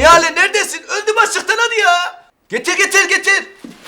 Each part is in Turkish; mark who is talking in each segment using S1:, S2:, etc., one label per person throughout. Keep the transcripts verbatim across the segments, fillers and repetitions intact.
S1: Nihale neredesin? Öldüm açlıktan hadi ya. Getir getir getir.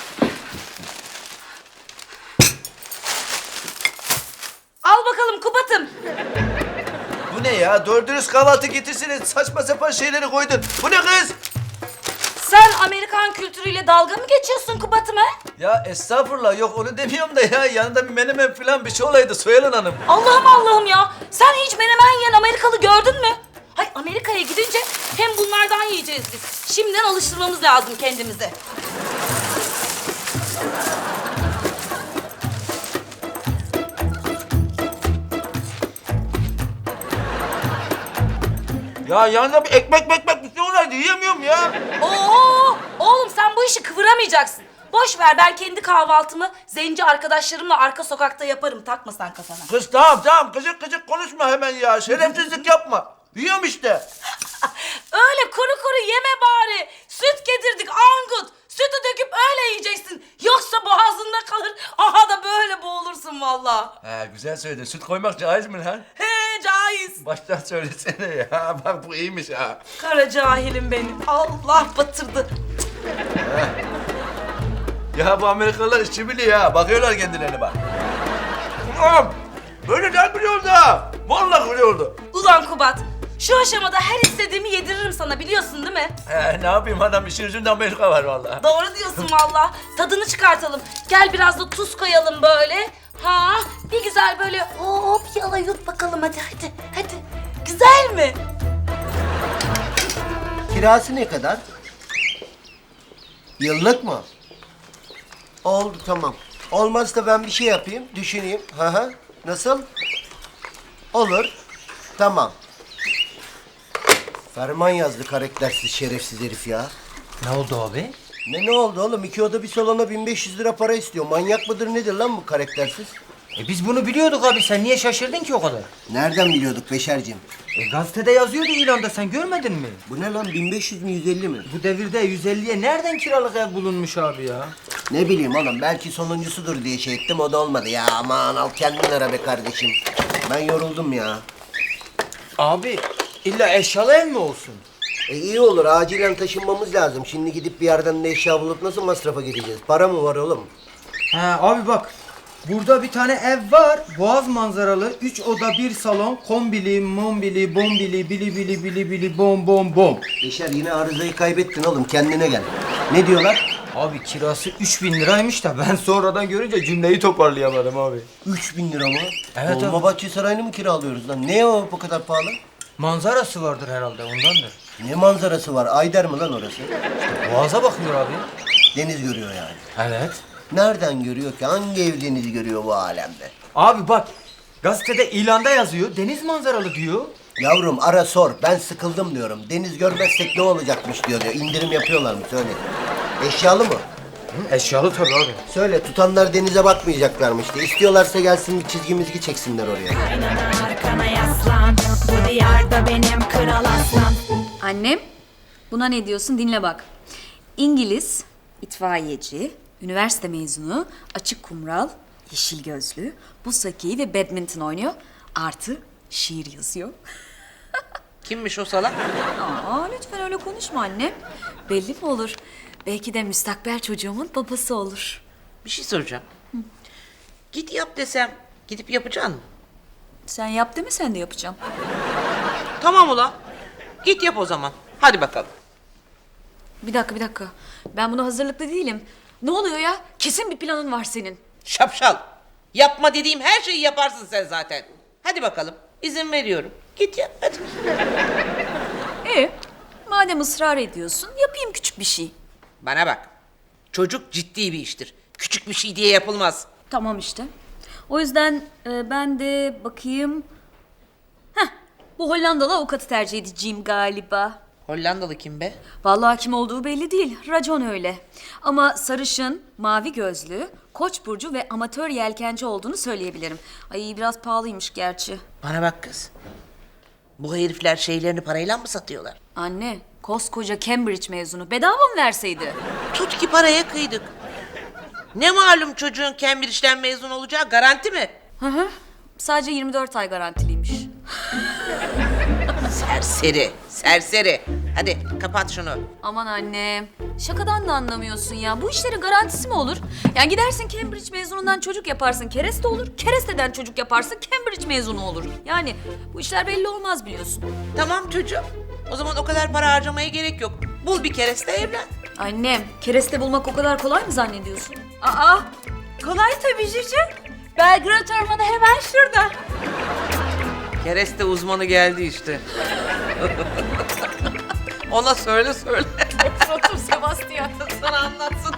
S2: Al bakalım Kubat'ım.
S1: Bu ne ya? Doğru dürüst kahvaltı getirsene. Saçma sapan şeyleri koydun. Bu ne kız?
S2: Sen Amerikan kültürüyle dalga mı geçiyorsun Kubat'ım ha?
S1: Ya estağfurullah, yok onu demiyorum da ya. Yanında bir menemen falan bir şey olaydı Soyalın Hanım.
S2: Allah'ım Allah'ım ya. Sen hiç menemen yiyen Amerikalı gördün mü? Hay Amerika'ya gidince hem bunlardan yiyeceğiz biz. Şimdiden alıştırmamız lazım kendimizi.
S1: Ya yanında bir ekmek mekmek bir şey olaydı. Yiyemiyorum ya.
S2: Oo, oğlum sen bu işi kıvıramayacaksın. Boş ver, ben kendi kahvaltımı zenci arkadaşlarımla arka sokakta yaparım. Takma sen kafana.
S1: Kız tamam tamam. Kıcık kıcık konuşma hemen ya. Şerefsizlik yapma. Yiyorum işte.
S2: Öyle kuru kuru yeme bari. Süt getirdik Angut. Sütü döküp öyle yiyeceksin. Yoksa boğazında kalır. Aha da böyle boğulursun vallahi.
S1: He güzel söyledin. Süt koymak caiz mi lan?
S2: He caiz.
S1: Baştan söylesene ya. Bak bu iyiymiş ha.
S2: Kara cahilim benim. Allah batırdı.
S1: Ya bu Amerikalılar işçi biliyor ha. Bakıyorlar kendilerine bak. Ulan böyle de biliyordu ha. Vallahi biliyordu.
S2: Ulan Kubat, şu aşamada her istediğimi yediririm sana, biliyorsun değil mi?
S1: He ne yapayım adam, işin yüzünde Amerika var vallahi.
S2: Doğru diyorsun vallahi. Tadını çıkartalım. Gel biraz da tuz koyalım böyle. Ha, bir güzel böyle hop yala yut bakalım hadi hadi hadi. Güzel mi?
S3: Kirası ne kadar? Yıllık mı? Oldu tamam. Olmazsa ben bir şey yapayım, düşüneyim. Hı hı. Nasıl? Olur. Tamam. Ferman yazdı karaktersiz şerefsiz herif ya.
S4: Ne oldu abi?
S3: Ne ne oldu oğlum? İki oda bir salona bin beş yüz lira para istiyor. Manyak mıdır nedir lan bu karaktersiz?
S4: E biz bunu biliyorduk abi. Sen niye şaşırdın ki o kadar?
S3: Nereden biliyorduk Beşerciğim?
S4: E gazetede yazıyordu ilanda. Sen görmedin mi?
S3: Bu ne lan? bin beş yüz mü yüz elli mi?
S4: Bu devirde yüz elliye nereden kiralık ev bulunmuş abi ya?
S3: Ne bileyim oğlum, belki sonuncusudur diye şey ettim, o da olmadı. Ya aman al kendin ara be kardeşim. Ben yoruldum ya.
S4: Abi illa eşyalı ev mi olsun?
S3: E iyi olur, acilen taşınmamız lazım. Şimdi gidip bir yerden de eşya bulup nasıl masrafa gideceğiz? Para mı var oğlum?
S4: He abi bak. Burada bir tane ev var. Boğaz manzaralı. Üç oda bir salon. Kombili, mombili, bombili, bili bili bili bili bom bom bom.
S3: Beşer yine arızayı kaybettin oğlum, kendine gel. Ne diyorlar?
S4: Abi kirası üç bin liraymış da ben sonradan görünce cümleyi toparlayamadım abi.
S3: Üç bin lira mı?
S4: Evet abi.
S3: Dolmabahçe Sarayı'nı mı kiralıyoruz lan? Ne o bu kadar pahalı?
S4: Manzarası vardır herhalde ondandır.
S3: Ne manzarası var? Ayder mi lan orası?
S4: Boğaza bakıyor abi.
S3: Deniz görüyor yani.
S4: Evet.
S3: Nereden görüyor ki? Hangi ev denizi görüyor bu alemde?
S4: Abi bak gazetede ilanda yazıyor. Deniz manzaralı diyor.
S3: Yavrum ara sor. Ben sıkıldım diyorum. Deniz görmezsek ne olacakmış diyor diyor. İndirim yapıyorlar mı? Söyle. Eşyalı mı?
S4: Hı, eşyalı tabii abi.
S3: Söyle, tutanlar denize bakmayacaklarmış diye. İstiyorlarsa gelsin bir çizgi mizgi çeksinler oraya.
S5: Aynana arkana yaslan. Bu diyarda benim kral aslan.
S6: Annem, buna ne diyorsun dinle bak. İngiliz, itfaiyeci, üniversite mezunu, açık kumral, yeşil gözlü, buz hokeyi ve badminton oynuyor. Artı şiir yazıyor.
S7: Kimmiş o salak?
S6: Aa, lütfen öyle konuşma annem. Belli mi olur? Belki de müstakbel çocuğumun babası olur.
S7: Bir şey soracağım. Git yap desem gidip yapacaksın mı?
S6: Sen yap deme, sen de yapacağım.
S7: Tamam ulan. Git yap o zaman. Hadi bakalım.
S6: Bir dakika, bir dakika. Ben buna hazırlıklı değilim. Ne oluyor ya? Kesin bir planın var senin.
S7: Şapşal. Yapma dediğim her şeyi yaparsın sen zaten. Hadi bakalım. İzin veriyorum. Git yap hadi.
S6: İyi. Madem ısrar ediyorsun, yapayım küçük bir şey.
S7: Bana bak. Çocuk ciddi bir iştir. Küçük bir şey diye yapılmaz.
S6: Tamam işte. O yüzden e, ben de bakayım. Heh, bu Hollandalı avukatı tercih edeceğim galiba.
S7: Hollandalı kim be?
S6: Vallahi kim olduğu belli değil. Racon öyle. Ama sarışın, mavi gözlü, Koç burcu ve amatör yelkenci olduğunu söyleyebilirim. Ay biraz pahalıymış gerçi.
S7: Bana bak kız. Bu herifler şeylerini parayla mı satıyorlar?
S6: Anne, koskoca Cambridge mezunu bedava mı verseydi?
S7: Tut ki paraya kıydık. Ne malum çocuğun Cambridge'den mezun olacağı garanti mi?
S6: Hı hı. Sadece yirmi dört ay garantiliymiş.
S7: Serseri, serseri. Hadi kapat şunu.
S6: Aman annem, şakadan da anlamıyorsun ya. Bu işlerin garantisi mi olur? Yani gidersin Cambridge mezunundan çocuk yaparsın, kereste olur. Keresteden çocuk yaparsın, Cambridge mezunu olur. Yani bu işler belli olmaz biliyorsun.
S7: Tamam çocuğum. O zaman o kadar para harcamaya gerek yok. Bul bir kereste evlen.
S6: Annem, kereste bulmak o kadar kolay mı zannediyorsun? Aa,
S2: Kolay tabii Cici. Belgrad Ormanı hemen şurada.
S7: Kereste uzmanı geldi işte. Ona söyle söyle.
S6: otur otur Sebastian.
S7: Sana anlatsın.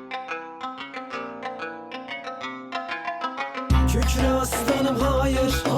S8: Kükre aslanım hayır